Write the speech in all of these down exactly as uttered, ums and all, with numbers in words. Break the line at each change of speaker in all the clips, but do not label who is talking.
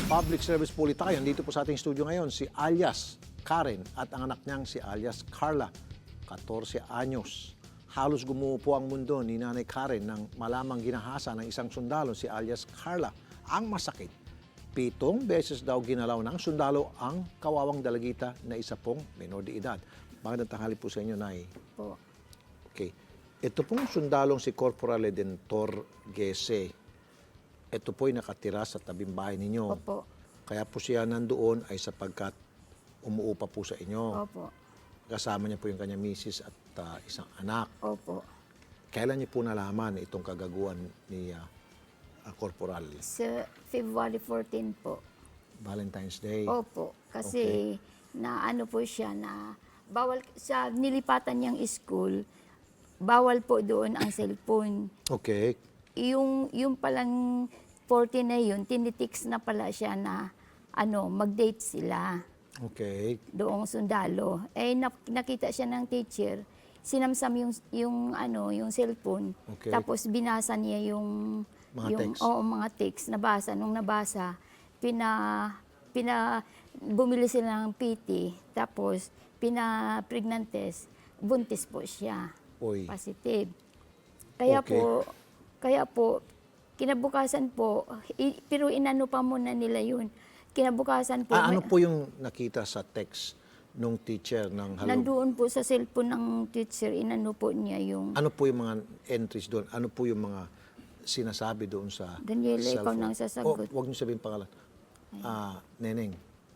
Public Service Police tayo. Nandito po sa ating studio ngayon si alias Karen at ang anak niyang si alias Carla, fourteen anyos. Halos gumuho po ang mundo ni Nanay Karen nang malamang ginahasa ng isang sundalo si alias Carla. Ang masakit, pitong beses daw ginalaw ng sundalo ang kawawang dalagita na isa pong menor de edad. Magandang tanghali po sa inyo, Nay.
Po.
Okay. Ito pong sundalong si Corporal Redentor Gese, ito po'y nakatira sa tabing bahay ninyo.
Opo.
Kaya po siya nandoon ay sapagkat umuupa po sa inyo.
Opo.
Kasama niya po yung kanyang misis at uh, isang anak.
Opo.
Kailan niyo po nalaman itong kagaguhan ni uh, uh, Corporal?
Sa February fourteen po.
Valentine's Day.
Opo. Kasi na ano po siya na bawal sa nilipatan niyang school, bawal po doon ang cellphone.
Okay.
Yung yung palang fourteen na yun, tinitix na pala siya na ano, mag-date sila.
Okay.
Doong sundalo. Eh nak- nakita siya ng teacher, sinamsam yung yung ano, yung cellphone.
Okay.
Tapos binasa niya yung
Mga
yung
text.
oo, mga text nabasa nung nabasa, pina pina bumili sila ng P T, tapos pina pregnant test, buntis po siya.
Oy.
Positive. Kaya
Okay.
po kaya po kinabukasan po, i- pero inano pa muna nila yun. Kinabukasan po
Ah, ano
may-
po yung nakita sa text nung teacher ng halog?
nandoon po sa cellphone ng teacher, inano po niya yung,
Ano po yung mga entries doon? Ano po yung mga sinasabi doon sa
Daniela, ikaw
cellphone?
nang sasagot.
Oh, huwag niyo sabihin pangalan. Ah, Neneng.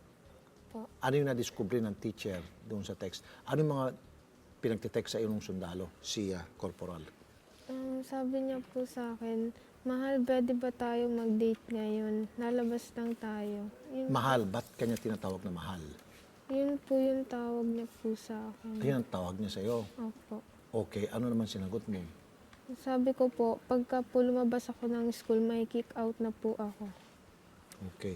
Po.
Ano yung nadiskubre ng teacher doon sa text? Ano yung mga pinagtitext sa iyo ng sundalo, si ah, Corporal?
Um, sabi niya po sa akin, mahal, pwede ba tayo mag-date ngayon? Lalabas lang tayo. Yun,
Mahal, ba't kanya tinatawag na mahal?
yun po yung tawag niya po sa akin.
Ayun ang tawag niya sa iyo.
Opo.
Okay, ano naman sinagot mo?
Sabi ko po, pagka po lumabas ako ng school, may kick out na po ako.
Okay.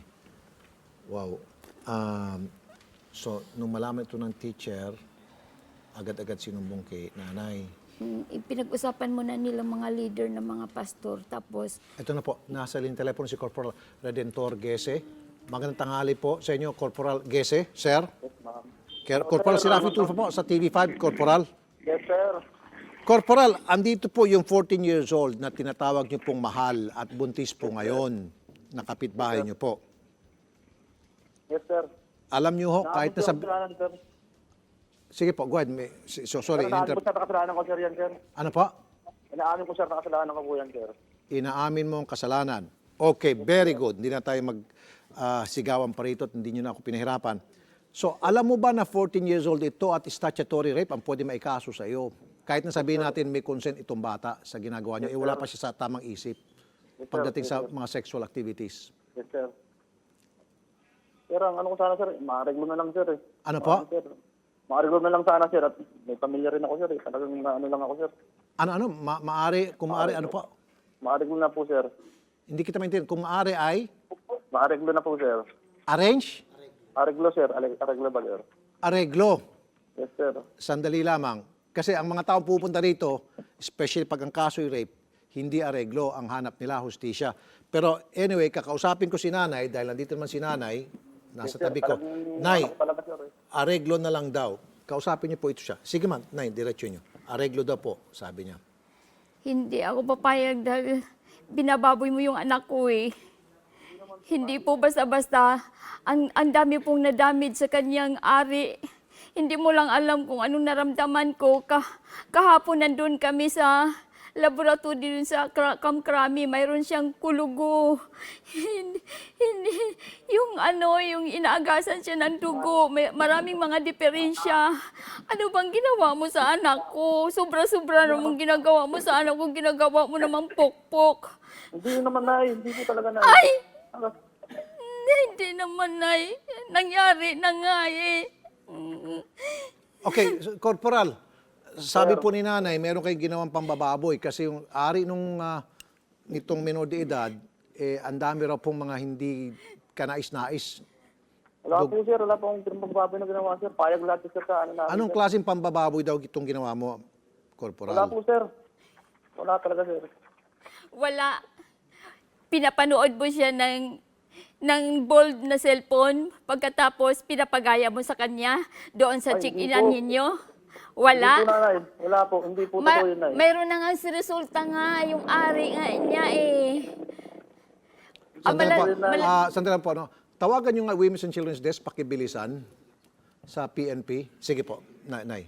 Wow. Um, so, nung malaman ito ng teacher, agad-agad sinumbong kay nanay.
mm, pinag-usapan muna nila mga leader ng mga pastor. Tapos,
Ito na po, nasa linya telepono si Corporal Redentor Gese. Magandang tanghali po sa inyo, Corporal Gese, sir.
Yes, ma'am.
Ker- Corporal Serafi Tulfo po sa T V five, Corporal.
Yes, sir.
Corporal, andito po yung fourteen years old na tinatawag niyo pong mahal at buntis po ngayon na kapitbahay niyo po.
Yes, sir.
Alam niyo ho, kahit na sa...
Naabot ko ang kasalanan, sir.
Sige po, go ahead. May- So, sorry,
Sir, naabot
inter-
ko sa kasalanan ko, sir, yan, sir.
ano po?
Inaamin ko, sir, na kasalanan ko po yan, sir.
Inaamin mo ang kasalanan. Okay, very good. Hindi na tayo mag-sigawan pa rito at hindi nyo na ako pinahirapan. So, alam mo ba na fourteen years old ito at statutory rape ang pwede maikaso sa iyo? Kahit na sabihin natin may consent itong bata sa ginagawa niyo, eh wala pa siya sa tamang isip
Yes, sir.
pagdating
Yes,
sa
sir.
mga sexual activities.
Yes, sir. Sir, ang ano ko sana, sir, maareglo na lang, sir. Eh.
Ano po?
Ano, sir? Maareglo na lang sana, sir. At may pamilya rin ako, sir. Eh. Talagang na- ano lang ako, sir.
Ano-ano? Ma- maari, kung maari, ano po?
Maareglo na po, sir.
Hindi kita maintindihan. Kung maari ay
Maareglo na po, sir.
arrange,
Areglo, sir. Ale- Areglo ba, sir?
areglo.
Yes, sir.
Sandali lamang. Kasi ang mga taong pupunta rito, especially pag ang kaso'y rape, hindi areglo ang hanap nila, hustisya. Pero anyway, kakausapin ko si nanay, dahil nandito naman si nanay, nasa tabi ko. Nay,
Ako talaga, sir. Eh.
areglo na lang daw. Kausapin niyo po ito siya. Sige man, nay, diretsyo niyo. Areglo daw po, sabi niya.
hindi ako papayag dahil binababoy mo yung anak ko eh. Hindi po basta-basta. Ang, ang dami pong nadamage sa kanyang ari. Hindi mo lang alam kung anong naramdaman ko. Ka, kahapon nandun kami sa laboratory dun sa Kra- Kamkrami. Mayroon siyang kulugo. hindi, hindi, yung ano, yung inaagasan siya ng dugo. May, maraming mga diferensya. Ano bang ginawa mo sa anak ko? Sobra-sobra namang ginagawa mo sa anak ko. Ginagawa mo namang pokpok.
Hindi naman, Nay. Hindi po talaga, Nay.
Ay!
Ano?
Hindi, hindi naman, Nay. Nangyari na nga eh. Mm.
Okay, so, Corporal, sabi po ni nanay, meron kayong ginawang pambababoy kasi yung ari nung ah, nitong menor de edad, eh, ang dami raw pong mga hindi kanais-nais.
Wala po, sir. Wala po akong pinagbababoy na ginawa, sir. Payag lahat, sir, sa ano namin.
Anong
sir.
klaseng pambababoy daw itong ginawa mo, Corporal?
Wala po, sir. Wala talaga, sir.
Wala. Pinapanood mo siya ng ng bold na cellphone, pagkatapos pinapagaya mo sa kanya doon sa
Ay,
check-inan
hindi po.
ninyo? Wala?
Hindi po, nanay. Wala po. Hindi po
Ma-
totoo yun, nay.
mayroon na nga si resulta nga, yung ari nga niya eh. Ah,
Sandali
mala-
po,
mala-
Ah, sandali lang po, no? Tawagan yung Women's and Children's Desk, pakibilisan sa P N P. Sige po, Nay. Nay.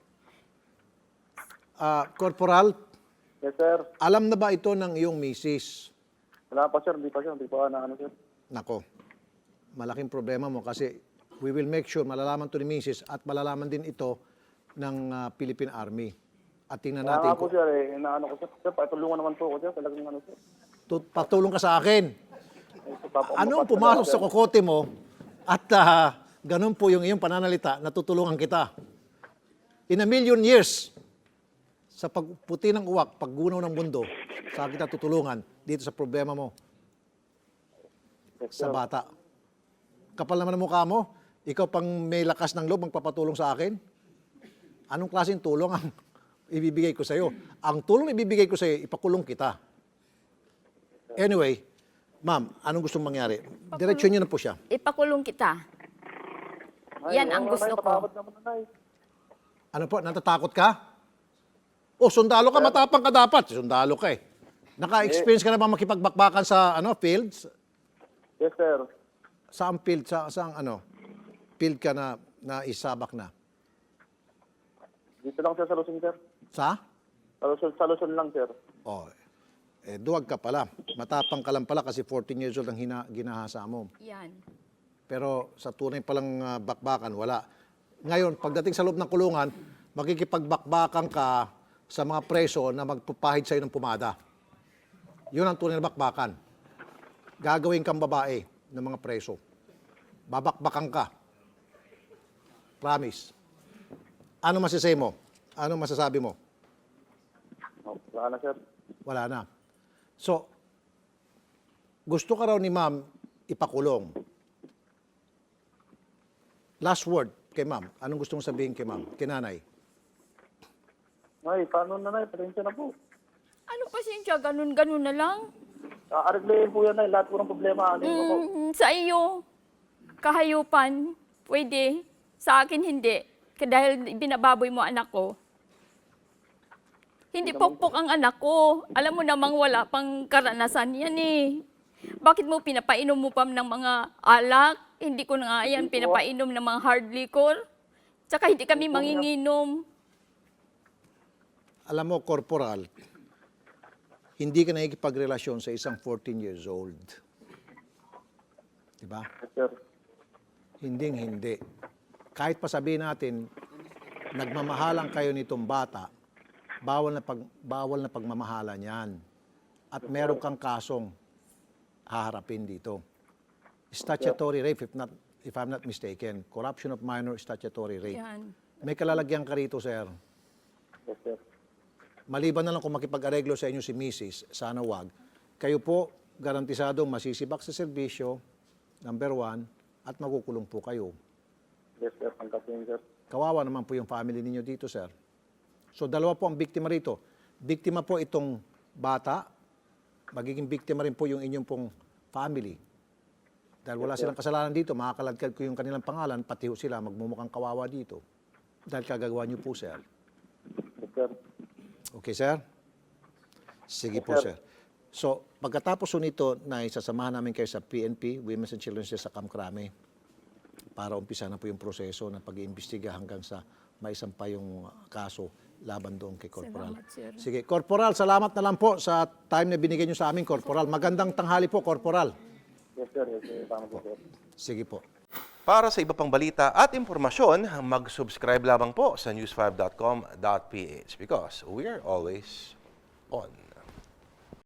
Ah, Corporal,
Yes, sir.
alam na ba ito ng iyong misis?
Wala pa, sir. Hindi pa, sir. Hindi pa na ano, sir.
Nako, malaking problema mo kasi we will make sure malalaman to ni misis at malalaman din ito ng ah, Philippine Army. At tingnan
Kaya
natin
nga po,
kung
sir. Eh, inaano ko, sir. Sir, patulungan naman po ako, sir. Talagang ano, sir.
tut- patulong ka sa akin.
Eh, sir, papa-
Anong
papa-
pumasok
sir.
sa kokote mo at ah, ganun po yung iyong pananalita, natutulungan kita. In a million years, sa pagputi ng uwak, paggunaw ng mundo, sa kita tutulungan dito sa problema mo
Yes,
sa
sir.
bata. Kapal naman ang mukha mo, ikaw pang may lakas ng loob magpapatulong sa akin? Anong klaseng tulong ang ibibigay ko sa iyo? Ang tulong na ibibigay ko sa iyo, ipakulong kita. Anyway, ma'am, anong gustong mangyari? Diretsyon niyo na po siya.
Ipakulong kita.
Ay,
Yan ang
oo,
gusto
nay,
ko.
patawad naman, nay.
Ano po, natatakot ka? O, sundalo ka, matapang ka dapat. Sundalo ka eh. Naka-experience ka na ba makipagbakbakan sa ano fields?
Yes, sir.
Saan field? Sa, saan ano? Field ka na, na isabak na?
Dito lang, sir, sa Luzon, sir.
Sa?
Sa Luzon, sa Luzon lang, sir.
Oh, eh, duwag ka pala. Matapang ka lang pala kasi fourteen years old ang hina, ginahasa mo.
Yan.
Pero sa tunay palang ah, bakbakan, wala. Ngayon, pagdating sa loob ng kulungan, makikipagbakbakan ka sa mga preso na magpapahid sa'yo ng pumada. Yun ang tunay na bakbakan. Gagawin kang babae ng mga preso. Babakbakan ka. Promise. Ano masasay mo? Ano masasabi mo?
Oh, wala na, sir.
Wala na. So, gusto ka raw ni ma'am ipakulong. Last word kay ma'am. Anong gusto mong sabihin kay ma'am? Kay nanay?
Nay, paano na, nay? Pasensya na po.
Ano pasensya, ganun-ganun na lang.
Aariglayin po yan, nay. Lahat po ng problema. Ano yung po?
Mm, sa iyo, kahayupan, pwede. Sa akin, hindi. Kaya dahil binababoy mo anak ko. Hindi pokpok ang anak ko. Alam mo namang wala pang karanasan yan eh. Bakit mo pinapainom mo pa ng mga alak? Hindi ko na nga yan pinapainom ng mga hard liquor. Tsaka hindi kami manginginom.
Alam mo, corporal, hindi ka nakikipagrelasyon sa isang fourteen years old. Diba?
Yes, sir.
Hinding hindi. Kahit pa sabihin natin, nagmamahalan kayo nitong bata, bawal na, pag, bawal na pagmamahalan yan. At meron kang kasong haharapin dito. Statutory rape, if, not, if I'm not mistaken. Corruption of minor statutory rape.
Yan.
May kalalagyan ka rito, sir.
Yes, sir.
Maliban na lang kung makipag-areglo sa inyo si Missus, sana wag. Kayo po, garantisadong masisibak sa serbisyo, number one, at makukulong po kayo.
Yes, sir. Tanggap yun, sir.
Kawawa naman po yung family ninyo dito, sir. So, dalawa po ang biktima rito. Biktima po itong bata, magiging biktima rin po yung inyong pong family. Dahil wala silang kasalanan dito, makakaladkad ko yung kanilang pangalan, pati ho sila magmumukhang kawawa dito. Dahil kagagawa niyo po, sir.
Yes, sir.
Okay, sir? Sige po, sir. So, pagkatapos po nito, na isasamahan namin kayo sa P N P, Women's and Children's Day sa Camp Crame, para umpisa na po yung proseso ng pag-iimbestiga hanggang sa maisampa yung kaso laban doon kay Corporal.
Salamat, sir.
Sige, Corporal, salamat na lang po sa time na binigay niyo sa amin, Corporal. Magandang tanghali po, Corporal.
Yes, sir. Yes, sir. Tama po, sir.
Sige po.
Para sa iba pang balita at impormasyon, mag-subscribe lamang po sa news five dot com dot p h because we're always on.